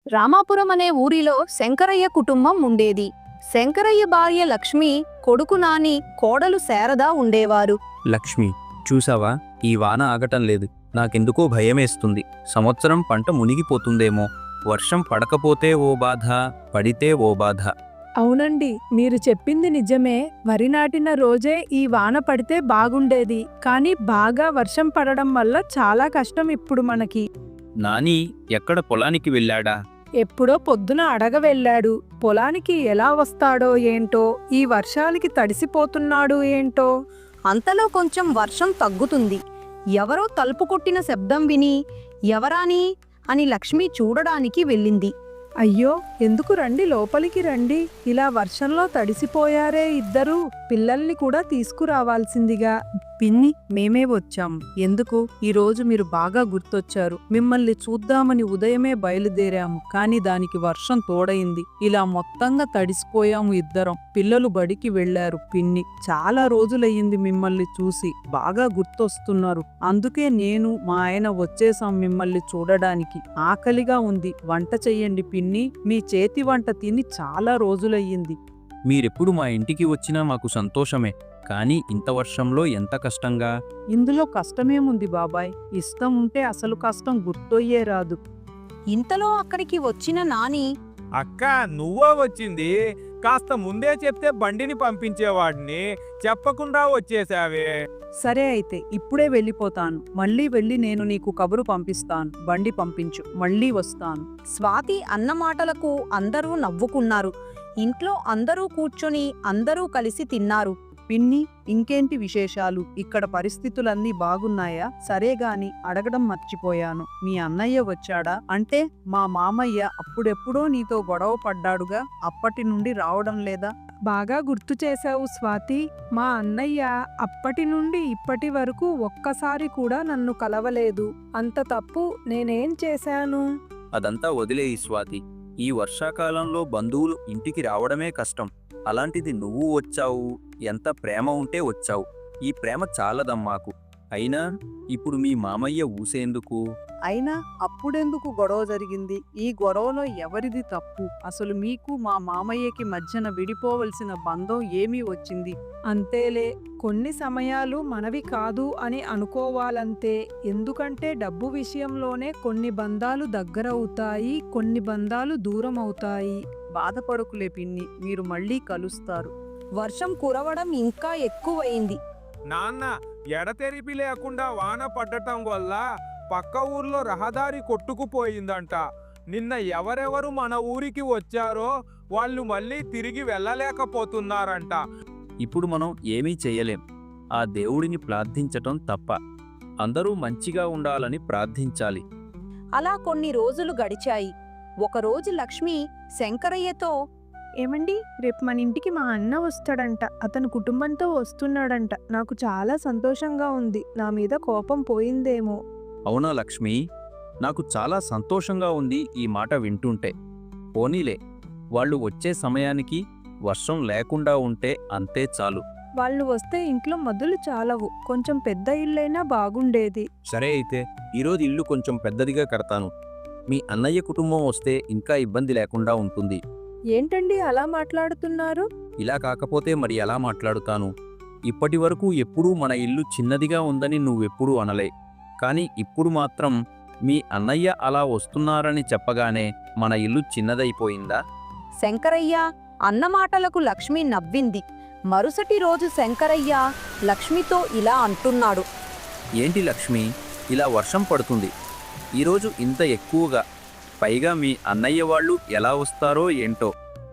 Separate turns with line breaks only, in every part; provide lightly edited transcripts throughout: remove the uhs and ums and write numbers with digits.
రామాపురం అనే ఊరిలో శంకరయ్య కుటుంబం ఉండేది. శంకరయ్య భార్య లక్ష్మి, కొడుకు నాని, కోడలు శారద ఉండేవారు.
లక్ష్మి, చూసావా, ఈ వాన ఆగటం లేదు. నాకెందుకో భయమేస్తుంది. సంవత్సరం పంట మునిగిపోతుందేమో. వర్షం పడకపోతే ఓ బాధ, పడితే ఓ బాధ.
అవునండి, మీరు చెప్పింది నిజమే. వరి నాటిన రోజే ఈ వాన పడితే బాగుండేది. కానీ బాగా వర్షం పడడం వల్ల చాలా కష్టం ఇప్పుడు మనకి.
నాని ఎక్కడ పొలానికి వెళ్ళాడా?
ఎప్పుడో పొద్దున అడగ వెళ్ళాడు. పొలానికి ఎలా వస్తాడో ఏంటో, ఈ వర్షాలకి తడిసిపోతున్నాడు ఏంటో.
అంతలో కొంచెం వర్షం తగ్గుతుంది. ఎవరో తలుపు కొట్టిన శబ్దం విని ఎవరాని అని లక్ష్మి చూడడానికి వెళ్ళింది.
అయ్యో, ఎందుకు రండి, లోపలికి రండి. ఇలా వర్షంలో తడిసిపోయారే ఇద్దరు. పిల్లల్ని కూడా తీసుకురావాల్సిందిగా.
పిన్ని, మేమే వచ్చాం. ఎందుకు? ఈరోజు మీరు బాగా గుర్తొచ్చారు. మిమ్మల్ని చూద్దామని ఉదయమే బయలుదేరాము, కానీ దానికి వర్షం తోడైంది. ఇలా మొత్తంగా తడిసిపోయాము ఇద్దరం. పిల్లలు బడికి వెళ్లారు. పిన్ని, చాలా రోజులయ్యింది మిమ్మల్ని చూసి. బాగా గుర్తొస్తున్నారు. అందుకే నేను మా ఆయన వచ్చేసాం మిమ్మల్ని చూడడానికి. ఆకలిగా ఉంది, వంట చెయ్యండి పిన్ని. మీ చేతి వంట తిని చాలా రోజులయ్యింది.
మీరెప్పుడు మా ఇంటికి వచ్చినా మాకు సంతోషమే. కానీ ఇంత వర్షంలో ఎంత కష్టంగా.
ఇందులో కష్టమేముంది బాబాయ్? ఇష్టం ఉంటే అసలు కష్టం గుర్తొయ్యే రాదు.
ఇంతలో అక్కడికి వచ్చిన నాని,
అక్క, నువ్వా వచ్చింది? కాస్త ముందే చెప్తే బండిని పంపించేవాడిని. చెప్పకుండా వచ్చేసావే.
సరే అయితే ఇప్పుడే వెళ్ళిపోతాను. మళ్ళీ వెళ్ళి నేను నీకు కబురు పంపిస్తాను. బండి పంపించు, మళ్ళీ వస్తాను.
స్వాతి అన్న మాటలకు అందరూ నవ్వుకున్నారు. ఇంట్లో అందరూ కూర్చొని అందరూ కలిసి తిన్నారు.
పిన్ని, ఇంకేంటి విశేషాలు? ఇక్కడ పరిస్థితులన్నీ బాగున్నాయా? సరేగాని అడగడం మర్చిపోయాను. మీ అన్నయ్య వచ్చాడా? అంటే మా మామయ్య అప్పుడెప్పుడో నీతో గొడవ పడ్డాడుగా, అప్పటి నుండి రావడం లేదా?
బాగా గుర్తు చేశావు స్వాతి. మా అన్నయ్య అప్పటి నుండి ఇప్పటి వరకు ఒక్కసారి కూడా నన్ను కలవలేదు. అంత తప్పు నేనేం చేశాను?
అదంతా వదిలేయి స్వాతి. ఈ వర్షాకాలంలో బంధువులు ఇంటికి రావడమే కష్టం. అలాంటిది నువ్వు వచ్చావు. ఎంత ప్రేమ ఉంటే వచ్చావు. ఈ ప్రేమ చాలదమ్మాకు. అయినా ఇప్పుడు మీ మామయ్య ఊసేందుకు?
అయినా అప్పుడెందుకు గొడవ జరిగింది? ఈ గొడవలో ఎవరిది తప్పు? అసలు మీకు మా మామయ్యకి మధ్యన విడిపోవలసిన బంధం ఏమీ వచ్చింది?
అంతేలే, కొన్ని సమయాలు మనవి కాదు అని అనుకోవాలంతే. ఎందుకంటే డబ్బు విషయంలోనే కొన్ని బంధాలు దగ్గరవుతాయి, కొన్ని బంధాలు దూరం అవుతాయి.
బాధపడకులే పిన్ని, మీరు మళ్ళీ కలుస్తారు.
వర్షం కురవడం ఇంకా ఎక్కువైంది.
నాన్న, ఎడతెరిపి లేకుండా వాన పడ్డటం వల్ల పక్క ఊర్లో రహదారి కొట్టుకుపోయిందంట. నిన్న ఎవరెవరు మన ఊరికి వచ్చారో వాళ్ళు మళ్ళీ తిరిగి వెళ్ళలేకపోతున్నారంట.
ఇప్పుడు మనం ఏమీ చెయ్యలేం. ఆ దేవుడిని ప్రార్థించటం తప్ప. అందరూ మంచిగా ఉండాలని ప్రార్థించాలి.
అలా కొన్ని రోజులు గడిచాయి. ఒకరోజు లక్ష్మి శంకరయ్యతో,
ఏమండి, రేపు మన ఇంటికి మా అన్న వస్తాడంట. అతను కుటుంబంతో వస్తున్నాడంట. నాకు చాలా సంతోషంగా ఉంది. నా మీద కోపం పోయిందేమో.
అవునా లక్ష్మి? నాకు చాలా సంతోషంగా ఉంది ఈ మాట వింటుంటే. పోనీలే, వాళ్ళు వచ్చే సమయానికి వర్షం లేకుండా ఉంటే అంతే చాలు.
వాళ్ళు వస్తే ఇంట్లో మొదలు చాలవు. కొంచెం పెద్ద ఇల్లైనా బాగుండేది.
సరే అయితే ఈరోజు ఇల్లు కొంచెం పెద్దదిగా కడతాను. మీ అన్నయ్య కుటుంబం వస్తే ఇంకా ఇబ్బంది లేకుండా ఉంటుంది.
ఏంటండి అలా మాట్లాడుతున్నారు?
ఇలా కాకపోతే మరి ఎలా మాట్లాడుతాను? ఇప్పటి వరకు ఎప్పుడూ మన ఇల్లు చిన్నదిగా ఉందని నువ్వెప్పుడూ అనలే. కానీ ఇప్పుడు మాత్రం మీ అన్నయ్య అలా వస్తున్నారని చెప్పగానే మన ఇల్లు చిన్నదైపోయిందా?
శంకరయ్య అన్న మాటలకు లక్ష్మి నవ్వింది. మరుసటి రోజు శంకరయ్య లక్ష్మితో ఇలా అంటున్నాడు.
ఏంటి లక్ష్మి, ఇలా వర్షం పడుతుంది ఈరోజు ఇంత ఎక్కువగా? పైగా మీ అన్నయ్య వాళ్ళు ఎలా వస్తారో ఏంటో.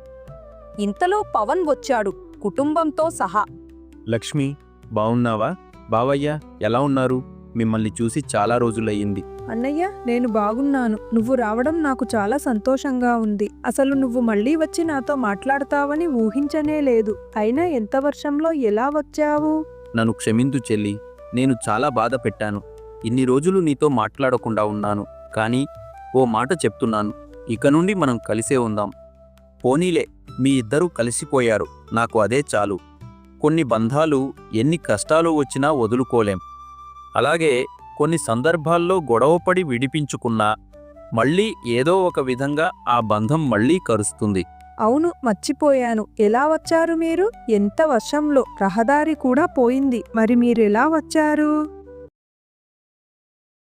ఇంతలో పవన్ వచ్చాడు, కుటుంబంతో సహా.
లక్ష్మి, బావున్నావా? బావయ్య ఎలా ఉన్నారు? మిమ్మల్ని చూసి చాలా రోజులయ్యింది.
అన్నయ్య, నేను బాగున్నాను. నువ్వు రావడం నాకు చాలా సంతోషంగా ఉంది. అసలు నువ్వు మళ్ళీ వచ్చి నాతో మాట్లాడతావని ఊహించనే లేదు. అయినా ఎంత వర్షంలో ఎలా వచ్చావు?
నన్ను క్షమించు చెల్లి. నేను చాలా బాధ పెట్టాను. ఇన్ని రోజులు నీతో మాట్లాడకుండా ఉన్నాను. కానీ ఓ మాట చెప్తున్నాను, ఇక నుండి మనం కలిసే ఉందాం. పోనీలే, మీ ఇద్దరూ కలిసిపోయారు, నాకు అదే చాలు. కొన్ని బంధాలు ఎన్ని కష్టాలు వచ్చినా వదులుకోలేం. అలాగే కొన్ని సందర్భాల్లో గొడవపడి విడిపించుకున్నా మళ్ళీ ఏదో ఒక విధంగా ఆ బంధం మళ్ళీ కరుస్తుంది.
అవును, మర్చిపోయాను. ఎలా వచ్చారు మీరు? ఎంత వర్షంలో రహదారి కూడా పోయింది. మరి మీరెలా వచ్చారు?